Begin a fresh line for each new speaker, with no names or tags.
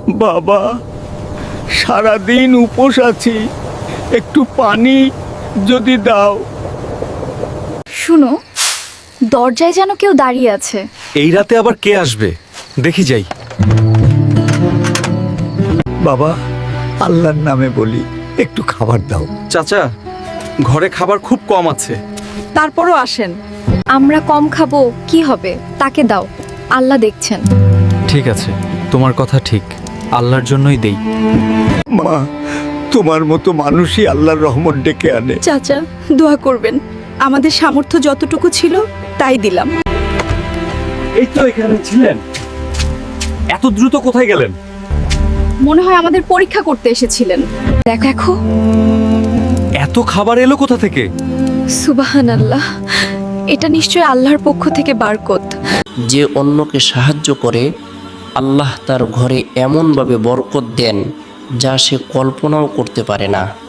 বাবা, সারাদিন উপোস আছি, একটু পানি যদি দাও।
শুনো, দরজায় যেন কেউ দাঁড়িয়ে আছে।
এই রাতে আবার কে আসবে? দেখি যাই।
বাবা, আল্লাহর নামে বলি, একটু খাবার দাও।
চাচা, ঘরে খাবার খুব কম আছে।
তারপরও আসেন।
আমরা কম খাবো, কি হবে, তাকে দাও, আল্লাহ দেখছেন।
ঠিক আছে, তোমার কথা ঠিক, আল্লাহর জন্যই দেই।
মা, তোমার মতো মানুষই আল্লাহর রহমত ডেকে আনে।
চাচা, দোয়া করবেন। আমাদের সামর্থ্য যতটুকু ছিল তাই দিলাম।
এই তো এখানে ছিলেন, এত দ্রুত কোথায় গেলেন?
মনে হয় আমাদের পরীক্ষা করতে এসেছিলেন। দেখো,
এত খাবার এলো কোথা থেকে?
সুবহানাল্লাহ, এটা নিশ্চয়ই আল্লাহর পক্ষ থেকে বারকত।
যে অন্যকে সাহায্য করে আল্লাহ তার ঘরে এমনভাবে বরকত দেন যা সে কল্পনাও করতে পারে না।